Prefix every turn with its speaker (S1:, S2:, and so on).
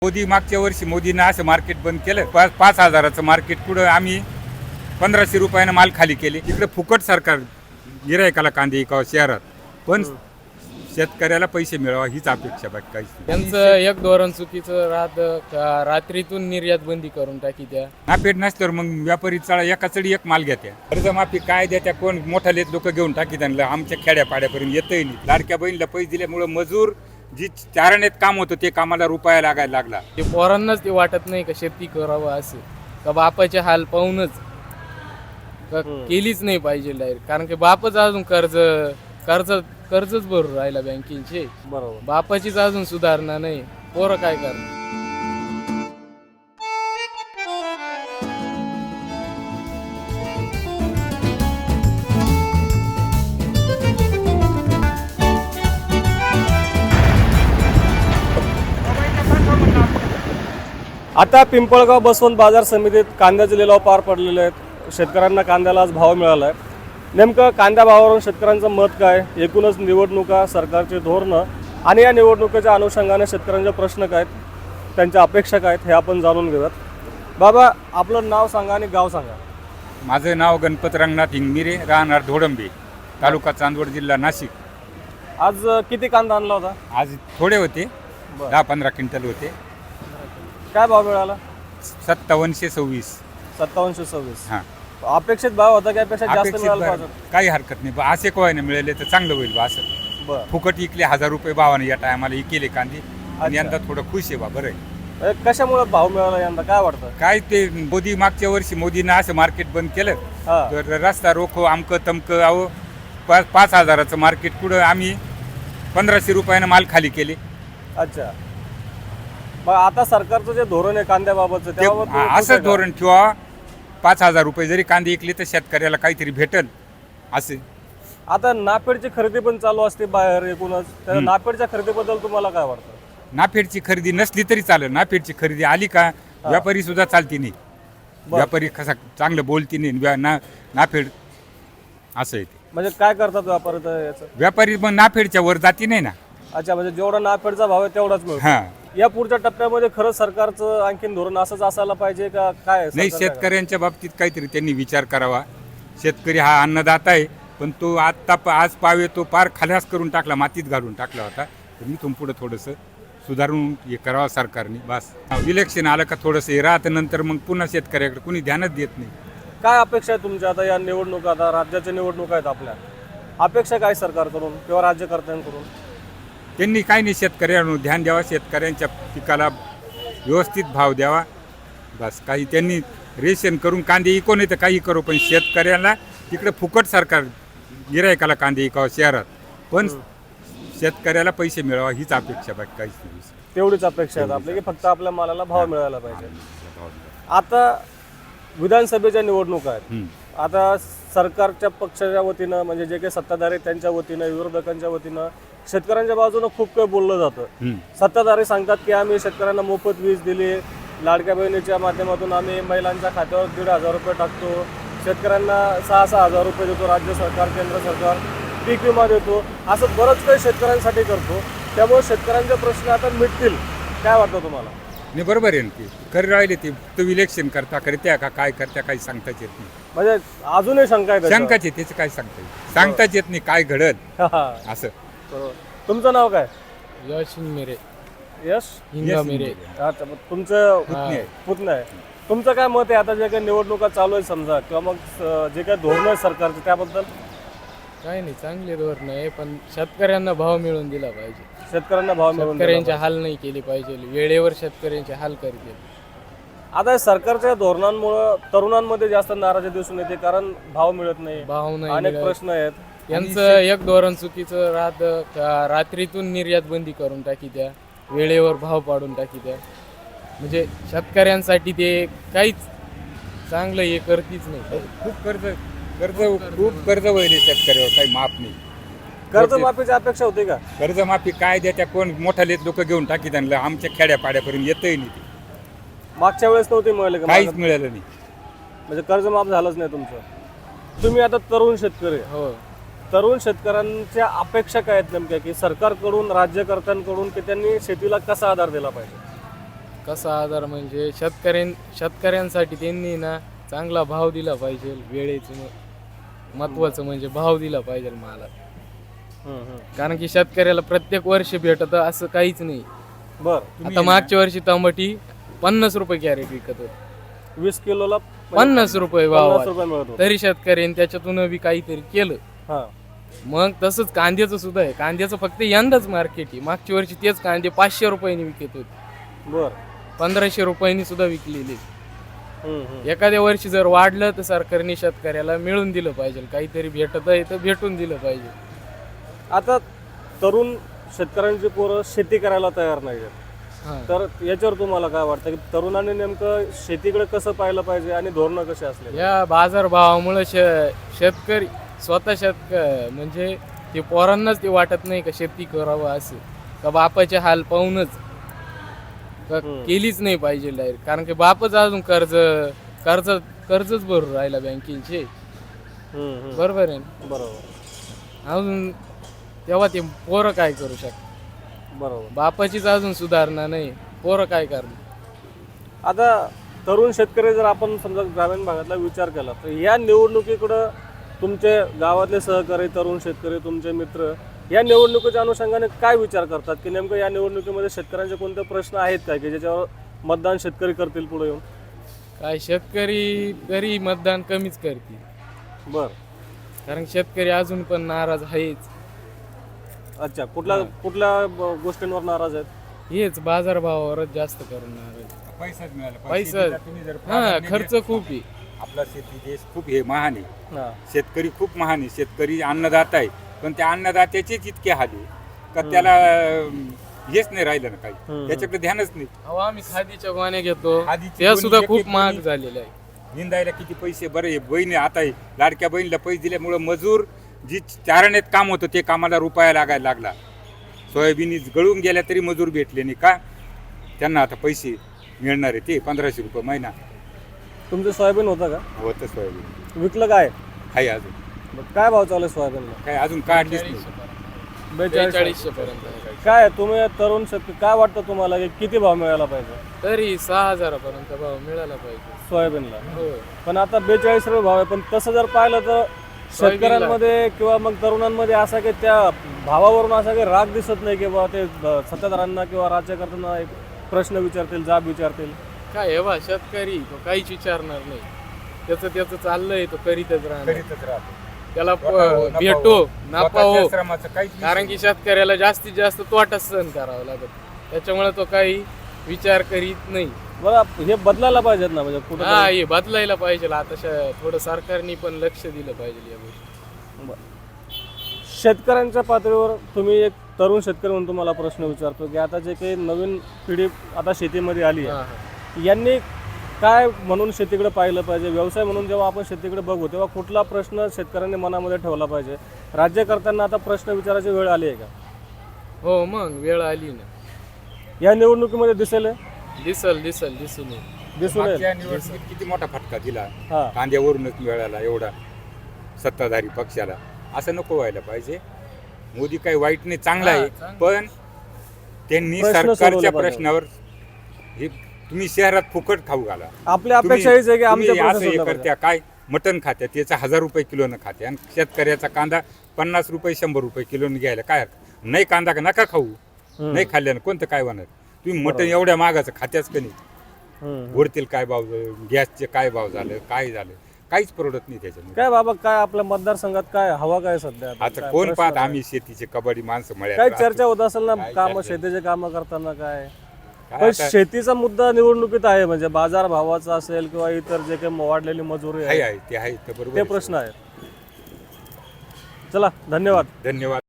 S1: मोदी मागच्या वर्षी मोदीनं असं मार्केट बंद केलं. 5,000चं मार्केट पुढं आम्ही 1,500 रुपयानं माल खाली केले. इकडे फुकट सरकार गिरायकाला कांदे विकावं शहरात, पण शेतकऱ्याला पैसे मिळावा हीच अपेक्षा बाकी काहीच नाही.
S2: त्यांचं एक धोरण चुकीचं राहतं का रात्रीतून निर्यात बंदी करून टाकी त्या
S1: नापेड नसल्यावर मग व्यापारी एका चढी एक माल घेत्या. कर्जमाफी काय देत्या, कोण मोठाले लोक घेऊन टाकी त्यांना. आमच्या खेड्यापाड्यापर्यंत येतही नाही. लाडक्या बहिणीला पैसे दिल्यामुळे मजूर जी चारण्यात काम होतं ते कामाला रुपया लागायला लागला.
S2: ते पोरांनाच ते वाटत नाही का शेती करावं असं, का बापाचे हाल पाहूनच केलीच नाही पाहिजे डायरेक्ट. कारण की बापच अजून कर्जच भरून राहिला बँकेचे.
S3: बरोबर.
S2: बापाचीच अजून सुधारणा नाही, पोरं काय करणार.
S3: आता पिंपळगाव बसवंत बाजार समितीत कांद्याचे लिलाव पार पडलेले आहेत. शेतकऱ्यांना कांद्याला आज भाव मिळाला आहे. नेमकं कांद्या भावावरून शेतकऱ्यांचं मत काय, एकूणच निवडणुका, सरकारची धोरणं आणि या निवडणुकीच्या अनुषंगाने शेतकऱ्यांचे प्रश्न काय आहेत, त्यांच्या अपेक्षा काय आहेत, हे आपण जाणून घेऊयात. बाबा, आपलं नाव सांगा आणि गाव सांगा.
S1: माझं नाव गणपत रंगनाथ हिंगमिरे, राहणार धोडंबे, तालुका चांदवड, जिल्हा नाशिक.
S3: आज किती कांदा आणला होता?
S1: आज थोडे होते, 10-15 क्विंटल होते.
S3: काय भाव मिळाला?
S1: 5726.
S3: 5726.
S1: हां,
S3: अपेक्षित भाव होता की अपेक्षा जास्त
S1: अपेक्षित
S3: मिळाला
S1: भाव
S3: पाहिजे?
S1: काही हरकत नाही. असे कोवायने मिळाले तर चांगलं होईल बा. असं
S3: बरं.
S1: फुकट इकले 1000 रुपये भावाने या टायमाला इकेले कांदे. आणि
S3: अच्छा.
S1: यंदा थोडं खुश आहे बा. बरं आहे.
S3: कशामुळे भाव मिळाला यंदा, काय वाटतं?
S1: काय ते मोदी मागच्या वर्षी मोदीनं असं मार्केट बंद केलं.
S3: हा.
S1: तर रस्ता रोखो आमकं तमकं अहो 5,000चं मार्केट पुढं आम्ही 1,500 रुपयानं माल खाली केले.
S3: अच्छा. मग आता सरकारचं जे धोरण आहे कांद्याबाबतचं,
S1: ते
S3: त्याबाबत तुम्ही खुश आहे
S1: असं
S3: का?
S1: धोरण ठेवा. 5,000 रुपये जरी कांदे इकले तर शेतकऱ्याला काहीतरी भेटल असे.
S3: आता नाफेडची खरेदी पण चालू असते बाहेर एकूणच. तर नाफेडच्या खरेदीबद्दल तुम्हाला काय वाटतं?
S1: नाफेडची खरेदी नसली तरी चालेल. नाफेडची खरेदी आली का व्यापारी सुद्धा चालती नाही. व्यापारी कसा चांगलं बोलती नाही. नाफेड असं आहे ते.
S3: म्हणजे काय करतात व्यापारी तर याचं?
S1: व्यापारी मग नाफेडच्या वर जाती नाही ना.
S3: अच्छा, म्हणजे जेवढा नाफेडचा भाव आहे तेवढाच मिळतो.
S1: हां,
S3: या पुढच्या टप्प्यामध्ये खरंच सरकारचं आणखीन धोरण असंच असायला पाहिजे का काय?
S1: नाही,
S3: सरकार काय
S1: शेतकऱ्यांच्या बाबतीत काहीतरी त्यांनी विचार करावा. शेतकरी हा अन्नदाता आहे, पण तो आज पावे तो पार खाल्यास करून टाकला, मातीत घालून टाकला होता. तर मी तुम पुढं थोडंसं सुधारून हे करावं सरकारने. बस इलेक्शन आलं का थोडंसं हे राहतं, नंतर मग पुन्हा शेतकऱ्याकडे कुणी ध्यानच देत नाही.
S3: काय अपेक्षा आहे तुमच्या आता या निवडणुका, आता राज्याच्या निवडणुका आहेत आपल्या, अपेक्षा काय सरकारकडून किंवा राज्यकर्त्यांकडून?
S1: त्यांनी काही नाही, शेतकऱ्यांवर ध्यान द्यावा, शेतकऱ्यांच्या पिकाला व्यवस्थित भाव द्यावा. बस काही त्यांनी रेशन करून कांदे इको नाही तर काही करू, पण शेतकऱ्याला तिकडे फुकट सरकार गिरायकाला कांदे विकावं शहरात, पण शेतकऱ्याला पैसे मिळावा हीच अपेक्षा बाकी काहीच नाही.
S3: तेवढीच अपेक्षा आहे आपली की फक्त आपल्या मालाला भाव मिळायला पाहिजे. आता विधानसभेच्या निवडणुका आहेत. आता सरकारच्या पक्षाच्या वतीनं, म्हणजे जे काही सत्ताधारी त्यांच्या वतीनं, विरोधकांच्या वतीनं शेतकऱ्यांच्या बाजूनं खूप काही बोललं जातं. सत्ताधारी सांगतात की आम्ही शेतकऱ्यांना मोफत वीज दिली, लाडक्या बहिणीच्या माध्यमातून आम्ही महिलांच्या खात्यावर 1,500 रुपये टाकतो, शेतकऱ्यांना 6,000 रुपये देतो राज्य सरकार, केंद्र सरकार, पीक विमा देतो, असं बरंच काही शेतकऱ्यांसाठी करतो. त्यामुळे शेतकऱ्यांचे प्रश्न आता मिटतील, काय वाटतं तुम्हाला?
S1: नाही, बरोबर आहे ना. ते खरं राहिले ते तो इलेक्शन करत्या का काय करत्या काही सांगताच येत नाही.
S3: म्हणजे अजूनही शंका आहे त्याच्यावर?
S1: शंकाच आहे, त्याचं काय सांगताच येत नाही काय घडत असं.
S3: बरोबर. तुमचं नाव काय?
S2: यश मिरे,
S3: यश
S2: हिंगमिरे.
S3: अच्छा, मग तुमचं
S1: पुतणी आहे.
S3: पुतणं आहे. तुमचं काय मत आहे आता जे काही निवडणुका चालू आहे समजा, किंवा मग जे काही धोरण आहे सरकारचं त्याबद्दल?
S2: काही नाही, चांगले धोरण आहे, पण शेतकऱ्यांना भाव मिळून दिला पाहिजे.
S3: शेतकऱ्यांना भाव मिळून दिला
S2: शेतकऱ्यांचे हाल नाही केले पाहिजे, वेळेवर शेतकऱ्यांचे हाल करतील.
S3: आता सरकारच्या धोरणांमुळे तरुणांमध्ये जास्त नाराजी दिसून येते, कारण भाव मिळत नाही,
S2: भाव नाही
S3: अनेक
S2: मिळत.
S3: प्रश्न आहेत.
S2: यांचं एक धोरण चुकीचं राहतं का रात्रीतून निर्यात बंदी करून टाकी त्या, वेळेवर भाव पाडून टाकी त्या. म्हणजे शेतकऱ्यांसाठी ते काहीच चांगलं हे करतीच नाही.
S1: खूप कर्ज वहिले शेतकऱ्यावर, काही माफ नाही.
S3: कर्जमाफीची अपेक्षा होती का?
S1: कर्जमाफी काय द्या, कोण मोठाले लोक घेऊन टाकी त्यांना. आमच्या खेड्यापाड्यापर्यंत येतही नाही ते.
S3: मागच्या वेळेस नव्हती मिळाली का?
S1: काहीच मिळालं नाही.
S3: म्हणजे कर्जमाफ झालंच नाही तुमचं. तुम्ही आता तरुण शेतकरी आहे.
S2: हो,
S3: तरुण शेतकऱ्यांच्या अपेक्षा काय आहेत नेमक्या, की सरकारकडून, राज्यकर्त्यांकडून, की त्यांनी शेतीला कसा आधार दिला पाहिजे?
S2: कसा आधार म्हणजे शेतकऱ्यांसाठी त्यांनी ना चांगला भाव दिला पाहिजे. वेळेचं महत्वाचं म्हणजे भाव दिला पाहिजे माला. कारण की शेतकऱ्याला प्रत्येक वर्षी भेटत असं काहीच नाही.
S3: बर
S2: आता मागच्या वर्षी टमाटी 50 रुपये कॅरेट विकत होत,
S3: 20 किलोला
S2: 50 रुपये भाव
S3: 50 रुपये मिळत होते.
S2: तरी शेतकऱ्यांनी त्याच्यातून बी काहीतरी केलं.
S3: हा
S2: मग तसंच कांद्याचं सुद्धा आहे. कांद्याचं फक्त यंदाच मार्केट आहे. मागच्या वर्षी तेच कांदे 500 रुपयांनी विकत होते,
S3: बर
S2: 1500 रुपयांनी सुद्धा विकलेले. एखाद्या वर्षी जर वाढलं तर सरकारने शेतकऱ्याला मिळून दिलं पाहिजे. काहीतरी भेटत आहे तर भेटून दिलं पाहिजे.
S3: आता तरुण शेतकऱ्यांची पोरं शेती करायला तयार नाही आहेत.
S2: हा.
S3: तर याच्यावर तुम्हाला काय वाटतं की तरुणांनी नेमकं शेतीकडे कसं पाहिलं पाहिजे आणि धोरणं कसे असले?
S2: या बाजारभावामुळे शेतकरी स्वतः म्हणजे ते पोरांनाच ते वाटत नाही का शेती करावं असं, का बापाचे हाल पाहूनच का केलीच नाही पाहिजे डायरेक्ट. कारण की बापच अजून कर्जच भरून राहिला बँकेचे. बरोबर आहे ना?
S3: बरोबर
S2: अजून तेव्हा ते पोरं काय करू शकतात?
S3: बरोबर.
S2: बापाचीच अजून सुधारणा नाही, पोरं काय करणार?
S3: आता तरुण शेतकरी जर आपण समजा ग्रामीण भागातला विचार केला तर या निवडणुकीकडं तुमचे गावातले सहकारी तरुण शेतकरी तुमचे मित्र या निवडणुकीच्या अनुषंगाने काय विचार करतात की नेमकं या निवडणुकीमध्ये शेतकऱ्यांचे कोणते प्रश्न आहेत काय की ज्याच्यावर मतदान शेतकरी करतील पुढे येऊन?
S2: काय शेतकरी तरी मतदान कमीच करतील.
S3: बर
S2: कारण शेतकरी अजून पण नाराज आहेच.
S3: अच्छा, कुठल्या गोष्टींवर नाराज आहेत?
S2: हेच बाजारभावावरच जास्त करून नाराज.
S1: पैसाच मिळाला
S2: पैसा
S1: तुम्ही जर
S2: हा खर्च खूप आहे.
S1: आपला शेती देश खूप हे महान आहे.
S3: हा.
S1: शेतकरी खूप महान आहे. शेतकरी अन्नदाता आहे, पण त्या अन्नदात्याचेच इतके हाल आहे का त्याला हेच नाही राहिलं ना काही, त्याच्याकडे ध्यानच नाही.
S2: अहो आम्ही खादीच्या गोण्या घेतो,
S1: खादीची
S2: त्या
S1: गोणी
S2: सुद्धा
S1: एक
S2: खूप
S1: एक
S2: महाग
S1: गोणी.
S2: झालेल्या आहे.
S1: निंदायला किती पैसे बरे बहिणी आता आहे. लाडक्या बहिणीला पैसे दिल्यामुळं मजूर जी चारण्यात काम होतं ते कामाला रुपया लागायला लागला. सोयाबीन गळून गेल्या तरी मजूर भेटले नाही का त्यांना. आता पैसे मिळणार आहे ते 1500 रुपये महिना.
S3: तुमचं सोयाबीन होतं का?
S1: होतं सोयाबीन
S3: विकलं काय?
S1: आहे अजून
S3: काय भाव चालू आहे सोयाबीनला?
S1: काय अजून काढलीच नाही.
S2: 4200 पर्यंत आहे.
S3: काय तुम्ही तरुण शेतकरी काय वाटतं तुम्हाला की किती भाव मिळायला पाहिजे
S2: तरी 6000 पर्यंत भाव मिळाला पाहिजे
S3: सोयाबीनला?
S2: हो.
S3: पण आता 42 रुपये भाव आहे. पण तसं जर पाहिलं तर शेतकऱ्यांमध्ये किंवा मग तरुणांमध्ये असा की त्या भावावरून असा की राग दिसत नाही की बाबा ते सत्ताधाऱ्यांना किंवा राज्यकर्त्यांना एक प्रश्न विचारतील, जाब विचारतील.
S2: काय हे बा शेतकरी तो काहीच विचारणार नाही. त्याचं चाललंय तो करीतच राहणार.
S1: करीतच राहतो.
S2: त्याला
S1: नफा
S2: भेटो
S1: हो.
S2: नफा
S1: स्वतःच्या
S2: हो.
S1: श्रमाचं काहीच
S2: कारण की शेतकऱ्याला जास्तीत जास्त तोटा सहन करावा लागत. त्याच्यामुळे तो काही विचार करीत नाही.
S3: बरं, हे बदलायला पाहिजेत ना म्हणजे कुठं
S2: हा हे बदलायला पाहिजे. आता थोडं सरकारने पण लक्ष दिलं पाहिजे या गोष्टी.
S3: शेतकऱ्यांच्या पातळीवर तुम्ही एक तरुण शेतकरी म्हणून तुम्हाला प्रश्न विचारतो की आता जे काही नवीन पिढी आता शेतीमध्ये आली
S2: हा,
S3: आहे यांनी काय म्हणून शेतीकडे पाहिलं पाहिजे? व्यवसाय म्हणून जेव्हा आपण शेतीकडे बघू तेव्हा कुठला प्रश्न शेतकऱ्यांनी मनामध्ये ठेवला पाहिजे? राज्यकर्त्यांना आता प्रश्न विचारायची वेळ आली आहे का?
S2: हो मग वेळ आली ना.
S3: या निवडणुकीमध्ये दिसून येईल.
S2: दिसून
S1: मागच्या निवडणुकीत किती मोठा फटका दिला
S3: हा.
S1: कांद्यावरूनच मिळाला एवढा सत्ताधारी पक्षाला. असं नको व्हायला पाहिजे. मोदी काही वाईट नाही, चांगला आहे. पण त्यांनी
S3: प्रश्न
S1: सरकारच्या
S3: सोडवले पाहिजे.
S1: प्रश्नावर हे तुम्ही शहरात फुकट खाऊ घाला.
S3: आपली अपेक्षा हीच आहे की आमच्या
S1: तुम्ही असं
S3: प्रश्न
S1: हे
S3: सोडवले
S1: करत्या काय मटण खात्या त्याचा 1000 रुपये किलोनं खात्या आणि शेतकऱ्याचा कांदा 50 रुपये 100 रुपये किलोनं घ्यायला काय हरकत? नाही कांदा का नका खाऊ. नाही खाल्ल्यानं कोणतं काय होणार? तुम्ही मटण एवढ्या मागाचं खात्याच का नाही?
S3: हम्म.
S1: वरतील काय भाव, गॅसचे काय भाव झालं, काय झालं, काहीच परवडत नाही त्याच्यामध्ये.
S3: काय बाबा काय आपल्या मतदारसंघात काय हवा काय सध्या आता?
S1: आता
S3: काय
S1: कोण
S3: प्रश्न
S1: पाहत?
S3: काय?
S1: आम्ही शेतीचे कबड्डी माणसं
S3: काय
S1: मळ्यात
S3: चर्चा होत असेल ना
S1: काय
S3: काम
S1: चर्चा?
S3: शेतीचे काम करताना काय?
S1: काय
S3: पण
S1: आता?
S3: शेतीचा मुद्दा निवडणुकीत आहे म्हणजे बाजार भावाचा असेल किंवा इतर जे काही वाढलेली मजुरी आहे
S1: आहे ते आहे ते बरोबर
S3: ते
S1: आहे.
S3: प्रश्न आहेत. चला, धन्यवाद.
S1: धन्यवाद.